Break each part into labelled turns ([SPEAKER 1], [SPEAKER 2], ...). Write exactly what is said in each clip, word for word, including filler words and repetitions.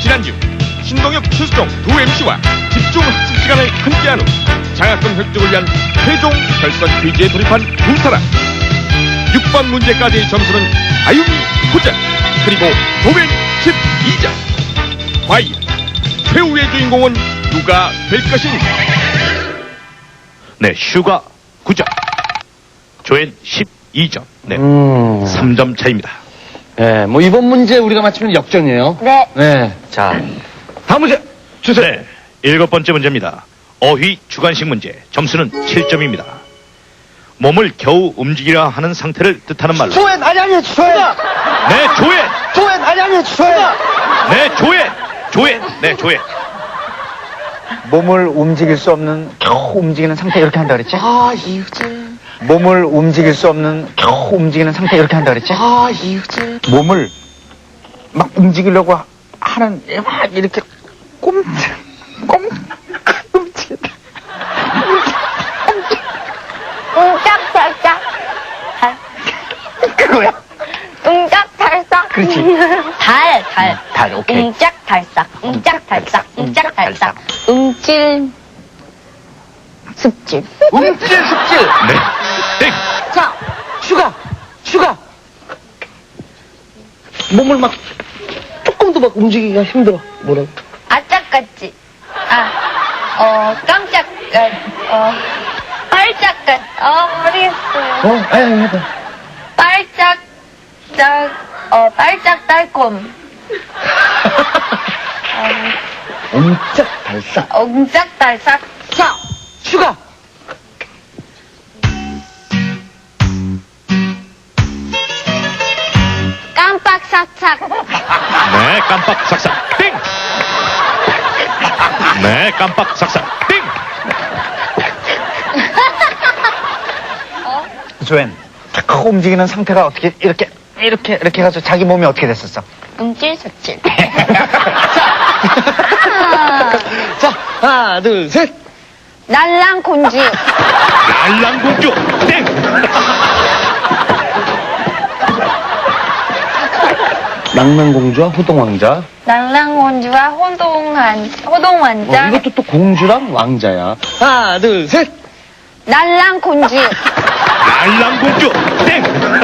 [SPEAKER 1] 지난주 신동엽, 최수종 두 엠씨와 집중 학습 시간을 함께한 후 장학금 획득을 위한 최종 결선 퀴즈에 돌입한 두 사람. 육 번 문제까지의 점수는 아유미 구 점 그리고 조벤 십이 점. 과연 최후의 주인공은 누가 될 것인가?
[SPEAKER 2] 네, 슈가 구 점, 조엔 십이 점. 네,
[SPEAKER 3] 음.
[SPEAKER 2] 삼 점 차입니다.
[SPEAKER 3] 네, 뭐 이번 문제 우리가 맞추면 역전이에요.
[SPEAKER 4] 네.
[SPEAKER 3] 네. 자, 다음 문제 주세요.
[SPEAKER 2] 네, 일곱 번째 문제입니다. 어휘 주관식 문제. 점수는 칠 점입니다. 몸을 겨우 움직이려 하는 상태를 뜻하는 말로.
[SPEAKER 3] 조엔 아니 아니 조엔.
[SPEAKER 2] 네, 조엔.
[SPEAKER 3] 조엔 아니 아니 조엔.
[SPEAKER 2] 네, 조엔. 조엔. 네, 조엔.
[SPEAKER 5] 몸을 움직일 수 없는 겨우 움직이는 상태 이렇게 한다 그랬지?
[SPEAKER 3] 아 이유재.
[SPEAKER 5] 몸을 움직일 수 없는 겨우 움직이는 상태 이렇게 한다 그랬지?
[SPEAKER 3] 아 이유재.
[SPEAKER 5] 몸을 막 움직이려고 하- 하는 막 이렇게 꼼짝 꼼 움직인다.
[SPEAKER 4] 웅짝달싹.
[SPEAKER 5] 그거야?
[SPEAKER 4] 웅짝달싹.
[SPEAKER 5] 그렇지.
[SPEAKER 4] 달, 달.
[SPEAKER 5] 달, 오케이.
[SPEAKER 4] 웅짝달싹. 웅짝달싹. 웅짝달싹. 웅질. 습질.
[SPEAKER 3] 움찔 습질.
[SPEAKER 2] 네, 땡.
[SPEAKER 3] 자, 슈가 슈가. 몸을 막 조금도 막 움직이기가 힘들어. 뭐라?
[SPEAKER 4] 아짝같이. 아, 어, 깜짝, 어, 빨짝같. 어, 모르겠어요.
[SPEAKER 3] 어, 아니 아니 해봐.
[SPEAKER 4] 빨짝, 짝, 어, 빨짝 달콤.
[SPEAKER 3] 엄짝 발사.
[SPEAKER 4] 엉짝달싹.
[SPEAKER 3] 자, 슈가.
[SPEAKER 4] 깜빡삭삭.
[SPEAKER 2] 네, 깜빡 삭삭. 땡. 네, 깜빡 삭삭. 땡.
[SPEAKER 5] 조엔 겨우 움직이는 상태가 어떻게 이렇게 이렇게 이렇게 해가지고 자기 몸이 어떻게 됐었어?
[SPEAKER 4] 웅질습질.
[SPEAKER 3] 자, 하나, 둘, 셋.
[SPEAKER 4] 날랑곤지.
[SPEAKER 2] 날랑공주. 땡.
[SPEAKER 3] 낭만공주와 호동왕자.
[SPEAKER 4] 날랑곤지와 호동한,
[SPEAKER 3] 어,
[SPEAKER 4] 호동완자.
[SPEAKER 3] 이것도 또 공주랑 왕자야. 하나, 둘, 셋.
[SPEAKER 4] 날랑곤지.
[SPEAKER 2] 날랑공주. 땡.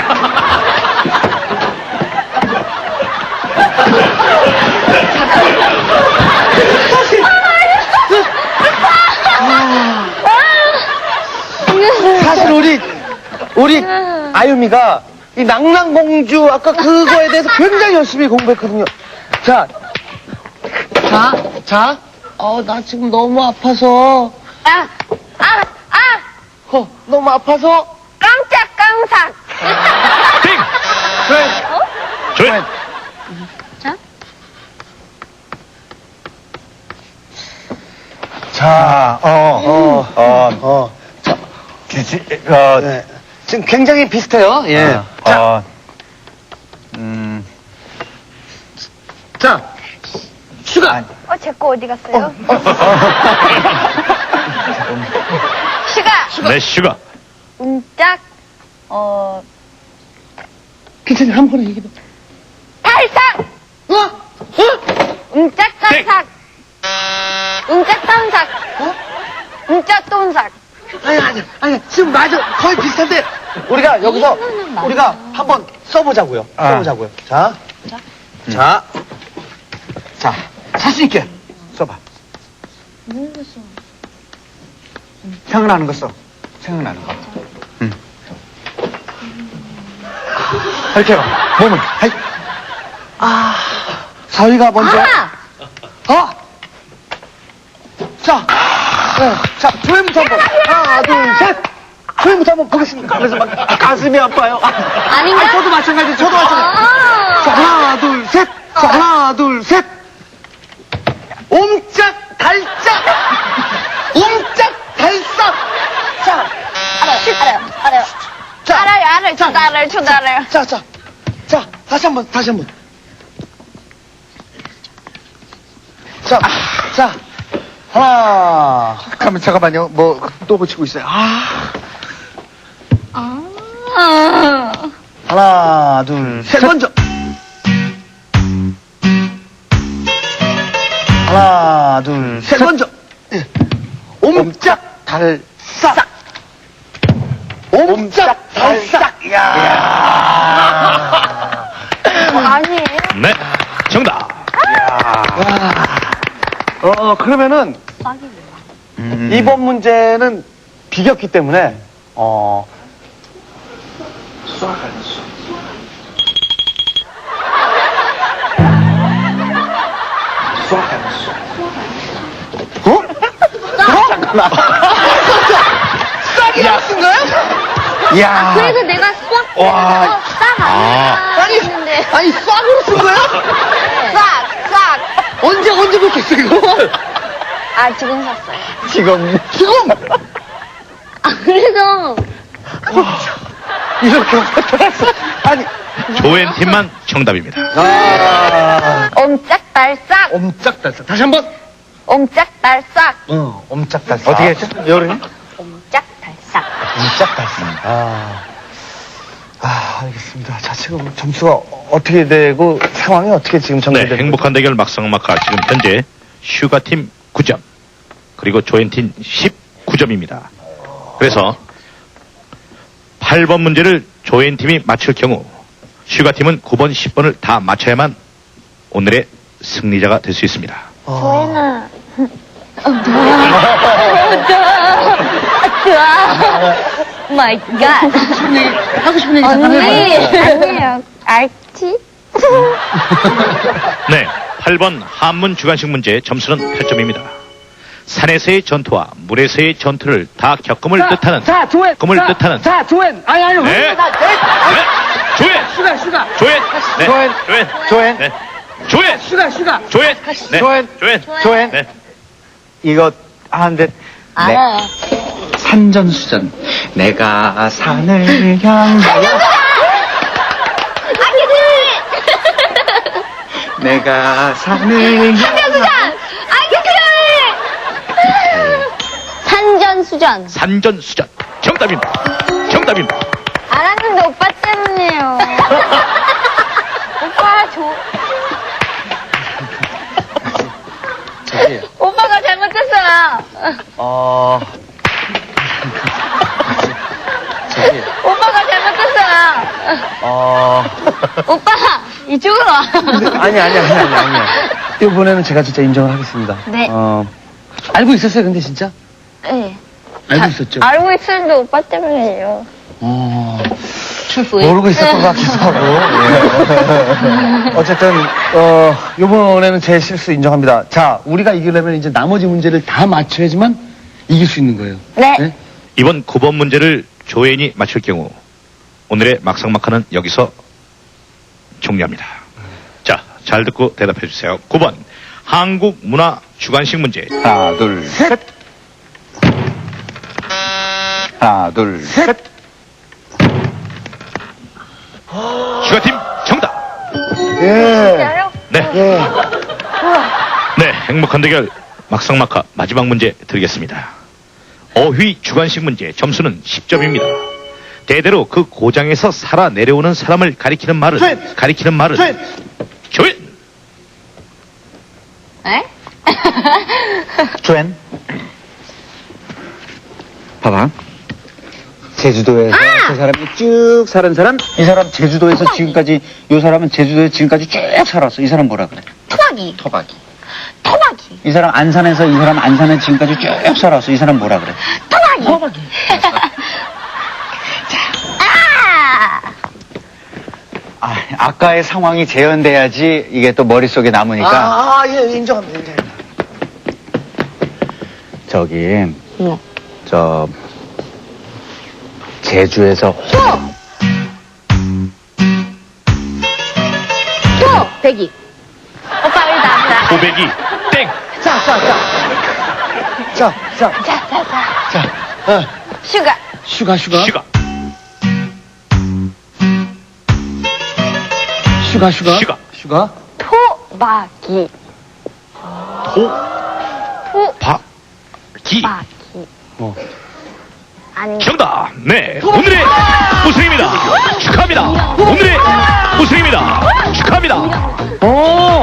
[SPEAKER 3] 사실 우리, 우리 아유미가 이 낭랑공주 아까 그거에 대해서 굉장히 열심히 공부했거든요. 자, 자, 자. 어, 나 지금 너무 아파서.
[SPEAKER 4] 아, 아, 아!
[SPEAKER 3] 어, 너무 아파서.
[SPEAKER 4] 깜짝 깜삭.
[SPEAKER 2] 땡.
[SPEAKER 3] 그래.
[SPEAKER 2] 조엔.
[SPEAKER 4] 자?
[SPEAKER 5] 자, 어, 어, 어,
[SPEAKER 3] 어.
[SPEAKER 5] 자, 지지, 어,
[SPEAKER 3] 네. 지금 굉장히 비슷해요. 예.
[SPEAKER 5] 어,
[SPEAKER 3] 자,
[SPEAKER 5] 어, 음,
[SPEAKER 3] 자. 슈가.
[SPEAKER 5] 아니.
[SPEAKER 4] 어, 제 거 어디 갔어요? 슈가.
[SPEAKER 2] 네, 슈가.
[SPEAKER 4] 웅짝, 어,
[SPEAKER 3] 괜찮아, 한 번에 얘기해.
[SPEAKER 4] 탈삭.
[SPEAKER 3] 어? 어?
[SPEAKER 4] 웅짝 탈삭. 웅짝 탐삭.
[SPEAKER 3] 어?
[SPEAKER 4] 웅짝 똠삭.
[SPEAKER 3] 아니, 아니, 아니, 지금 맞아. 거의 비슷한데. 우리가 여기서,
[SPEAKER 4] 이거는 맞아.
[SPEAKER 3] 우리가 한번 써보자고요.
[SPEAKER 5] 아.
[SPEAKER 3] 써보자고요. 자.
[SPEAKER 4] 자.
[SPEAKER 3] 자. 자, 자신있게 써봐.
[SPEAKER 5] 생각나는 거 써. 생각나는 거. 응. 이렇게 해봐. 몸을. 하이.
[SPEAKER 3] 아. 사위가 먼저.
[SPEAKER 4] 아!
[SPEAKER 3] 어? 자. 네. 자, 조회부터 한번. 하나, 둘, 셋. 조회부터 한번 보겠습니다. 그래서 막 가슴이 아파요.
[SPEAKER 4] 아닌가?
[SPEAKER 3] 아니, 저도 마찬가지, 저도 마찬가지.
[SPEAKER 4] 아!
[SPEAKER 3] 자, 하나, 둘, 셋. 자, 하나, 둘, 셋. 옴짝, 달짝. 옴짝, 달싹. 자,
[SPEAKER 4] 알아요, 알아요, 알아요.
[SPEAKER 3] 자.
[SPEAKER 4] 알아요, 알아요. 저도 알아요, 저도 알아요.
[SPEAKER 3] 자, 자. 자, 다시 한 번, 다시 한 번. 자, 자. 하나.
[SPEAKER 5] 잠깐만, 잠깐만요. 뭐, 또 고치고 있어요. 아.
[SPEAKER 4] 아.
[SPEAKER 3] 하나, 둘, 셋. 먼저. 세 번째. 예. 옴짝 달싹. 옴짝 달싹. 이야.
[SPEAKER 4] 아니에요?
[SPEAKER 2] 네, 정답.
[SPEAKER 3] 어, 그러면은 이번 문제는 비겼기 때문에 어 어? 잠깐만. 싹이라고 쓴 거야? 야.
[SPEAKER 4] 그래서 내가 싹
[SPEAKER 3] 와.
[SPEAKER 4] 싹
[SPEAKER 2] 아.
[SPEAKER 4] 아니야 했는데
[SPEAKER 3] 아니 싹으로 쓴 거야?
[SPEAKER 4] 싹 싹.
[SPEAKER 3] 언제 언제부터 했어 이거?
[SPEAKER 4] 아 지금 샀어요.
[SPEAKER 3] 지금 지금
[SPEAKER 4] 아 그래서
[SPEAKER 3] 이렇게 나타났어. 아니.
[SPEAKER 2] 조엔 팀만 정답입니다.
[SPEAKER 3] 아.
[SPEAKER 4] 옴짝달싹
[SPEAKER 3] 옴짝달싹. 다시 한번.
[SPEAKER 4] 옴짝달싹
[SPEAKER 3] 어, 옴짝달싹. 어떻게 했죠? 여름이?
[SPEAKER 4] 옴짝달싹.
[SPEAKER 3] 옴짝달싹. 아. 아, 알겠습니다. 자, 지금 점수가 어떻게 되고 상황이 어떻게 지금
[SPEAKER 2] 네,
[SPEAKER 3] 정리되는
[SPEAKER 2] 행복한 대결 막상막하 지금 현재 슈가팀 구 점 그리고 조엔팀 십구 점입니다. 그래서 팔 번 문제를 조엔팀이 맞출 경우 슈가팀은 구 번, 십 번을 다 맞춰야만 오늘의 승리자가 될 수 있습니다.
[SPEAKER 4] 조연아. 좋아. 마이 갓.
[SPEAKER 3] 하고 싶은 얘기
[SPEAKER 4] 언니. 아니에요. 알지?
[SPEAKER 2] 네, 팔 번 한문 주관식 문제 점수는 팔 점입니다. 산에서의 전투와 물에서의 전투를 다 겪음을 뜻하는
[SPEAKER 3] 자, 조엔.
[SPEAKER 2] 겪음을
[SPEAKER 3] 자,
[SPEAKER 2] 뜻하는
[SPEAKER 3] 자, 조엔. 아니, 아니,
[SPEAKER 2] 네.
[SPEAKER 3] 왜 나, 내,
[SPEAKER 2] 네, 조엔,
[SPEAKER 3] 슈가, 슈가.
[SPEAKER 2] 조엔, 네,
[SPEAKER 3] 조엔.
[SPEAKER 2] 조엔,
[SPEAKER 3] 조엔.
[SPEAKER 2] 네, 조엔,
[SPEAKER 3] 슈가, 슈가.
[SPEAKER 2] 조엔, 네,
[SPEAKER 5] 조엔.
[SPEAKER 2] 조엔,
[SPEAKER 5] 조엔.
[SPEAKER 2] 네.
[SPEAKER 5] 이거 하는데
[SPEAKER 4] 알아요.
[SPEAKER 5] 산전수전. 내가 산을 향하여 내가 산을 향
[SPEAKER 4] 산전수전. 산전수전.
[SPEAKER 2] 산전수전 정답입니다. 정답입니다.
[SPEAKER 4] 알았는데 오빠 때문이에요. 오빠 조.
[SPEAKER 3] 저기,
[SPEAKER 4] 오빠가 잘못했어요.
[SPEAKER 3] 어. 저기,
[SPEAKER 4] 오빠가 잘못했어요.
[SPEAKER 3] 어.
[SPEAKER 4] 오빠 이쪽으로 와.
[SPEAKER 3] 아니, 아니, 아니, 아니, 아니야. 이번에는 제가 진짜 인정을 하겠습니다.
[SPEAKER 4] 네.
[SPEAKER 3] 어. 알고 있었어요, 근데 진짜?
[SPEAKER 4] 네.
[SPEAKER 3] 알고 있었죠?
[SPEAKER 4] 알고 있었는데 오빠 때문이에요.
[SPEAKER 3] 어.
[SPEAKER 4] 왜?
[SPEAKER 3] 모르고 있었던 것 같기도 하고. 예. 어쨌든, 어, 요번에는 제 실수 인정합니다. 자, 우리가 이기려면 이제 나머지 문제를 다 맞춰야지만 이길 수 있는 거예요.
[SPEAKER 4] 네.
[SPEAKER 3] 네?
[SPEAKER 2] 이번 구 번 문제를 조엔이 맞출 경우 오늘의 막상막하는 여기서 종료합니다. 자, 잘 듣고 대답해 주세요. 구 번 한국 문화 주관식 문제.
[SPEAKER 5] 하나 둘 셋. 하나 둘 셋.
[SPEAKER 2] 슈가팀 정답.
[SPEAKER 3] 예.
[SPEAKER 4] 진짜요?
[SPEAKER 2] 네,
[SPEAKER 3] 예.
[SPEAKER 2] 네, 행복한 대결 막상막하 마지막 문제 드리겠습니다. 어휘 주관식 문제 점수는 십 점입니다. 대대로 그 고장에서 살아 내려오는 사람을 가리키는 말은
[SPEAKER 3] 조엔!
[SPEAKER 2] 가리키는 말은
[SPEAKER 3] 조엔!
[SPEAKER 2] 조엔.
[SPEAKER 4] 에?
[SPEAKER 5] 조엔. 봐봐. 제주도에서 그 사람이 쭉 사는 사람, 이 사람 제주도에서 지금까지, 요 사람은 제주도에서 지금까지 쭉 살았어. 이 사람 뭐라 그래?
[SPEAKER 4] 토박이.
[SPEAKER 5] 토박이.
[SPEAKER 4] 토박이.
[SPEAKER 5] 이 사람 안산에서 이 사람 안산에 지금까지 쭉 살았어. 이 사람 뭐라 그래?
[SPEAKER 4] 토박이. 토박이. 아!
[SPEAKER 5] 아, 아까의 상황이 재현돼야지 이게 또 머릿속에 남으니까.
[SPEAKER 3] 아, 아, 예, 인정합니다, 인정합니다.
[SPEAKER 5] 저기,
[SPEAKER 4] 네.
[SPEAKER 5] 저, 제주에서
[SPEAKER 4] 또! 또! 배기. 오빠 여기다 앞다.
[SPEAKER 2] 고백이 땡.
[SPEAKER 3] 자, 자, 자. 자, 자,
[SPEAKER 4] 자, 자, 자.
[SPEAKER 3] 자. 어.
[SPEAKER 4] 슈가.
[SPEAKER 3] 슈가, 슈가.
[SPEAKER 2] 슈가
[SPEAKER 3] 슈가, 슈가.
[SPEAKER 2] 슈가.
[SPEAKER 3] 슈가.
[SPEAKER 4] 토박이.
[SPEAKER 2] 토박이
[SPEAKER 4] 토박이.
[SPEAKER 3] 어.
[SPEAKER 4] 아니.
[SPEAKER 2] 정답. 네, 오늘의 우승입니다. 축하합니다. 오늘의 우승입니다. 축하합니다.
[SPEAKER 3] 오!